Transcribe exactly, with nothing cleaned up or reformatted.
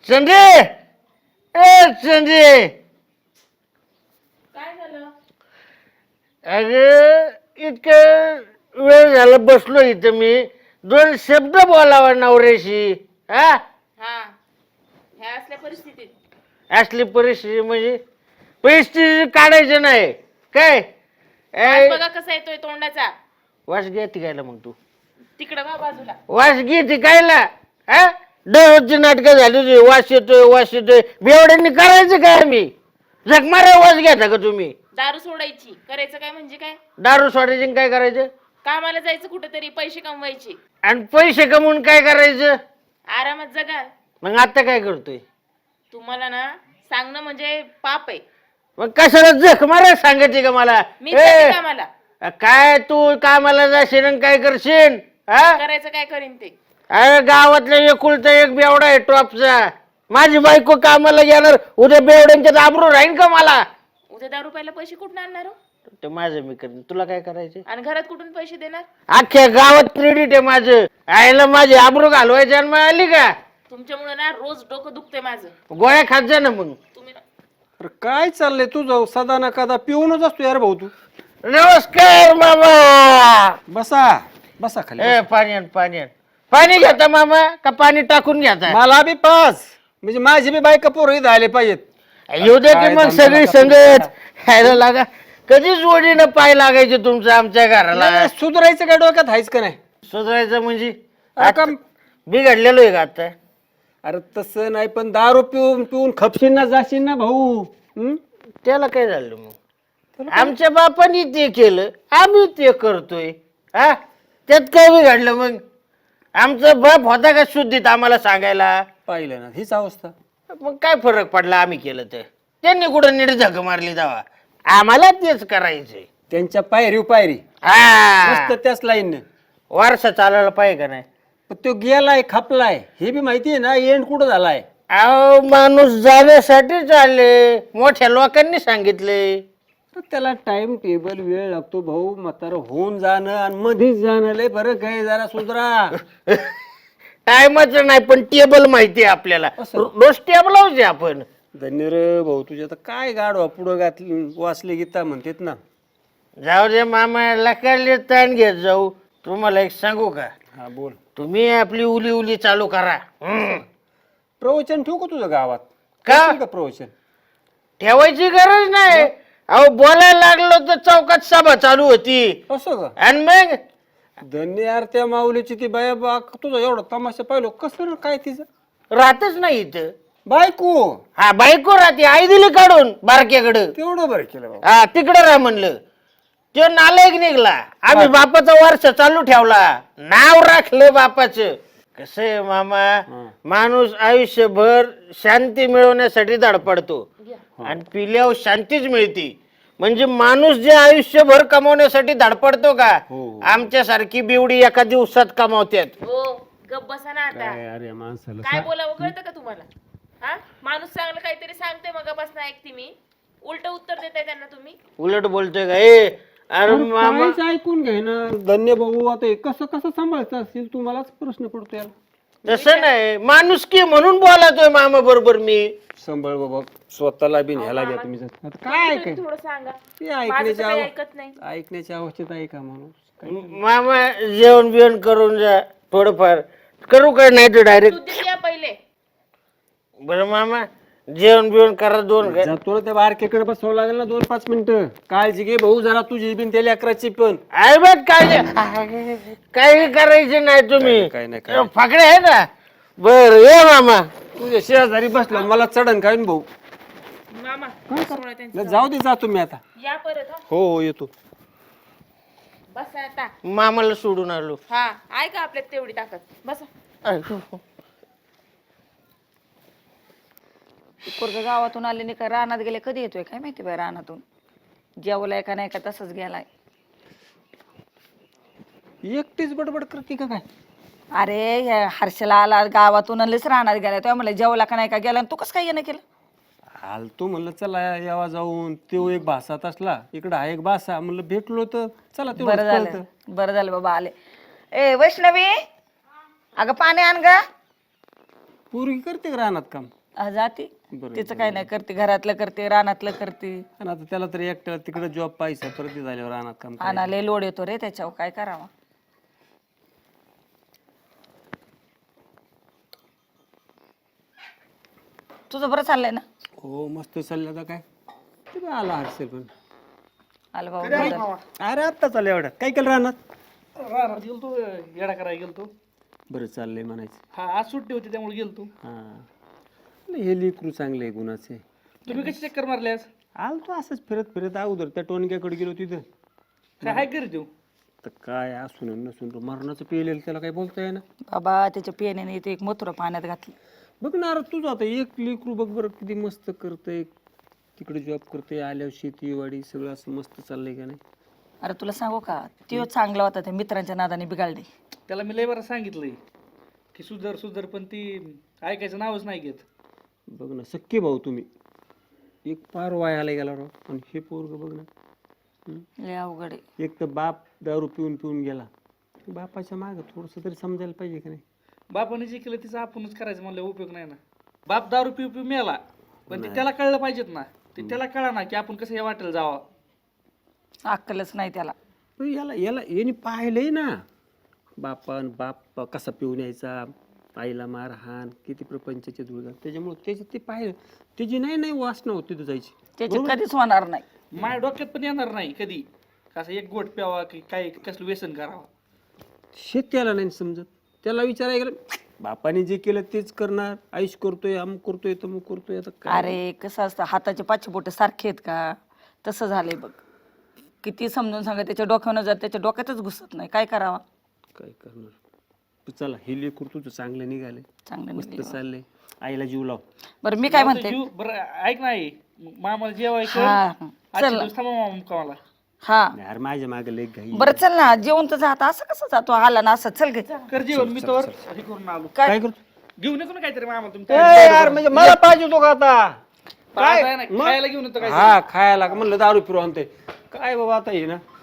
संजय ए संजय काय झालं? अगं इतकं वेळ झाला बसलो इथं मी दोन शब्द बोलावा नवऱ्याशी हा हा ह्या असल्या परिस्थितीत असली परिस्थिती म्हणजे परिस्थिती काढायचं नाही काय वास ए, बघा कसा येतोय तोंडाचा. वास घे ती गायला मग तू तिकडं बा बाजूला. वास घे ती गायला हा दररोजची नाटकं झाली तुझी वास येतोय वास येतोय बेवड्यांनी करायचं काय आम्ही जगमारा वास घ्यायचा का तुम्ही दारू सोडायची, करायचं काय म्हणजे काय? दारू सोडायची आणि काय करायचं कामाला जायचं कुठेतरी, पैसे कमवायचे, आणि पैसे कमवून काय करायचं आरामात जगा. मग आता काय करतोय तुम्हाला ना सांगणं म्हणजे पाप आहे. मग कशाला जख मारा सांगायची का मला मी ए, जाते कामाला. काय तू कामाला जाशील आणि काय करशील हा करायचं काय करीन ते. अरे गावातला एकुलता एक बेवडा आहे टॉपचा माझी बायको कामाला गेणार उद्या बेवड्यांच्या दाबरू राहीन का मला उद्या दारू प्यायला पैसे कुठून आणणार हो? ते माझं मी करीन तुला काय करायचं आणि घरात कुठून पैसे देणार? अख्ख्या गावात क्रेडिट आहे माझं आईला माझी आबरू घालवायची आणि मग आली का तुमच्यामुळे ना रोज डोकं दुखते माझं. गोळ्या खात जा ना मग तुम्ही ना अरे काय चाललंय तुझं सदा ना कदा पिऊनच असतो यार भाऊ तू. नमस्कार मामा बसा बसा खाली ए पाणी आण पाणी आण पाणी घेता मामा का पाणी टाकून घेता मला बी पाच म्हणजे माझी बी बायका पोरं इथं आले पाहिजेत. येऊ दे की काय मग धंदा सगळी नका संगत खायला लागा कधी जोडीनं पाय लागायचे तुमचं आमच्या घराला नाही, सुधारायचं काय डोक्यात आहेच का नाही? सुधारायचं म्हणजे अरे का- बिघडलेलो आहे का आता अरे तसं नाही पण दारू पिऊन पिऊन खपशील ना जाशील ना भाऊ. हं? त्याला काय झालं मग आमच्या बापानी ते केलं आम्ही ते करतोय हा त्यात काय बिघडलं मग आमचा बाप होता का शुद्धीत आम्हाला सांगायला पाहिलं ना हीच अवस्था. मग काय फरक पडला आम्ही केलं तर त्यांनी कुठं नीट झक मारली जावा आम्हाला तेच करायचंय त्यांच्या पायरी पायरी हा मस्त त्याच लाईन वारसा चालायला पाहिजे का नाही पण तो गेलाय खपलाय हे बी माहिती आहे ना एंड कुठं झालाय. अहो माणूस जाण्यासाठी चालले मोठ्या लोकांनी सांगितले तर त्याला टाइम टेबल वेळ लागतो भाऊ. म्हातारं होऊन जाणं आणि मध्येच जाणं लय फरक आहे. जरा सुधरा. टायमाच नाही पण टेबल माहिती आहे आपल्याला असं? रोज टेबल होते आपण धन्य रे भाऊ तुझ्या तर काय गाडवा पुढं घातली वाचले गीता म्हणतेत ना. जाऊ दे मामा लकाले ताण घेत जाऊ तुम्हाला एक सांगू का हा बोल. तुम्ही आपली उली उली चालू करा हम्म. प्रवचन ठेवू का तुझं गावात? का? करशील का प्रवचन? ठेवायची गरज नाही अहो बोलायला लागलो तर चौकात सभा चालू होती असं का? आणि मग धन्य यार त्या माऊलीची ती बाया बा तुझा एवढा तमाशा पाहिलो कसं रे काय तिचं राहतच नाही इथं बायको हा बायको राहते आई दिली काढून बारक्याकडं तेवढं बरं केलं बाबा. हा तिकडं राह म्हणलं तो नालायक निघला आम्ही बापाचा वारस चालू ठेवला नाव राखलं बापाचं कसं आहे मामा माणूस आयुष्यभर शांती मिळवण्यासाठी धडपडतो आणि पिल्यावर शांतीच मिळते म्हणजे माणूस जे आयुष्यभर कमवण्यासाठी धडपडतो का हो. आमच्या सारखी बिवडी एका दिवसात कमावतात हो गप बसा ना आता. काय अरे माणसाला काय बोलावं कळतं का तुम्हाला? हा माणूस चांगलं काहीतरी सांगते मग बस ना ऐकते मी. उलट उत्तर देताय त्यांना तुम्ही. उलट बोलतोय का ए अरे मामा काहीच ऐकून घे ना. धन्य भाऊ आता हे कसं कसं सांभाळतं असेल तुम्हालाच प्रश्न पडतो यार. तसं नाही माणूस की म्हणून बोलतोय मामा बरोबर मी सांभाळ बाबा स्वतःला बी न्यायला घ्या तुम्ही. आता काय तुम्ही ऐकाय थोडं सांगा. ते माझं तर ऐकण्याच्या काही आव- ऐकत नाही. ऐकण्याच्या अवस्थेत आहे का माणूस काय? मामा जेवण बिवण करून जा थोडंफार करू काय नाही तर डायरेक्ट शुद्धीत या पहिले. बरं मामा जेवण बिवण करा दोन काय जा तुला त्या बारकेकडे बसावं लागेल ना दोन पाच मिनिटं. काळजी घे भाऊ जरा तुझी बिन त्याला अकराची पण आहे बघ काय काही करायचे नाही तुम्ही काय नाही, काय नाही. फाकडे आहे ना बर ये मामा तुझ्या शेजारी बसला मला चढण काय भाऊ. मामा सोडा त्यांचं. नाही, जाऊ दे जा तुम्ही आता. या परत हा. हो हो येतो. बसा आता. मामाला सोडून आलो हा ऐका आपल्यात तेवढी ताकद. बसा. पोरग गावातून आले नाही का रानात गेले कधी येतोय काय माहिती बाय रानातून जेवलाय का नाही का तसंच गेलाय. एकटीच बडबड करते का काय? अरे ह्या हर्षला आला गावातून आलेच रानात गेलाय तेव्हा म्हणलं जेवला का नाही का गेला आणि तू कसं काय येणं केलं? आलतो म्हणलं चला यावा जाऊन. तो एक भासात असला इकडं हा एक भासा म्हणलं भेटलो तर चला बरं तेवढं झालं बरं झालं बाबा आले. ए वैष्णवी अगं पाणी आण ग. पूर्वी करते का रानात काम? आ, जाते बरं, तिचं काय नाही करते, घरातलं करते, रानातलं करते. आणि आता त्याला तरी एकट्याला तिकडे जॉब पाहिजे, परत ते झाल्यावर रानात काम करायचं. आणाले लोड येतो रे त्याच्यावर, काय करावं. तुझं बरं चाललंय ना? हो मस्त चाललं आता काय ते बा आला हर्षल पण. आलं बाबा. अरे आत्ता चाललं एवढ्यात काय केलं रानात? राहणार गेलतो येडा करायला गेलतो. बरं चाललंय म्हणायचं. हा आज सुट्टी होती त्यामुळे गेलतो. हा हे लेकरू चांगले आहे गुणाचे. तुम्ही कशी चक्कर मारले आज? आलो तो असंच फिरत फिरत अगोदर त्या टोनक्याकडे गेलो तिथं. काय हाय करीत देऊ? तर काय असून आणि नसून तो मरणाचं पिलेलं त्याला काय बोलता येईना. बाबा त्याच्या पियाने ते एक मथुरा पाण्यात घातलं. बघ ना अरे तुझं आता एक लेकरू बघ बरं किती मस्त करतंय, तिकडे जॉब करतोय, आल्यावर शेती वाडी सगळं असं मस्त चाललंय का नाही. अरे तुला सांगू का, तो चांगला होता, त्या मित्रांच्या नादाने बिघडले. त्याला मी लय बरं सांगितलंय की सुधर सुधर, पण ती ऐकायचं नावच नाही घेत. बघ ना सख्खे भाऊ तुम्ही, एक पार वायाला गेला राव. आणि हे पोरग बघ ना, लय अवघड आहे. एक तर बाप दारू पिऊन पिऊन गेला, बापाच्या मागं थोडंसं तरी समजायला पाहिजे का नाही. बापाने जे केलं तिचं आपणच करायचं म्हणलं उपयोग नाही ना. बाप दारू पिऊ पिऊ मेला, पण ते त्याला कळलं पाहिजेत ना. ते त्याला कळा ना की आपण कसं या वाटेल जावं. अक्कलच नाही त्याला. पण याला याला याने पाहिलंय ना बापान बाप कसा पिऊन यायचा, आईला मारहाण, किती प्रपंचाचे धुळगा, त्याच्यामुळे त्याचे ते पाहिलं त्याची नाही नाही वासना होती तिथं जायची. त्याची कधीच होणार नाही. माझ्या डोक्यात पण येणार नाही कधी कसं एक गोट प्यावा की काय कसलं व्यसन करावं. शेत त्याला नाही समजत. त्याला विचारायला गेलं बापाने जे केलं तेच करणार, आयुष करतोय, अमुक करतोय, तमुक करतोय. आता काय अरे कसं असतं, हाताचे पाचशे बोट सारखे आहेत का, तसं झालंय बघ. किती समजून सांगा, त्याच्या डोक्यानं जर त्याच्या डोक्यातच घुसत नाही, काय करावा. काय करणार. तू चला हे लेकरू तुझं चांगलं निघाले, चांगलं मस्त निघालं. चाललंय. आईला जीव लाव. बरं मी काय म्हणते, जीव बरं ऐक नाही मामाला जेवायचं. हा आजच्या चल दिवस थांबा मामा मुक्कामाला. हा यार माझ्या मागे लय घाई. बरं चल ना, जेवण तर जात असं कसं जातो, आला ना असं, चल घे. कर जेवण, मी तर हे करून आलो. काय करतो घेऊन येतो ना काहीतरी मामा ए, तुम्ही. यार म्हणजे मला पाहिजे तो का आता काय खायला घेऊन येतो काय. हा खायला का म्हणलं दारू फिरू आणते काय बाबा आता हे ना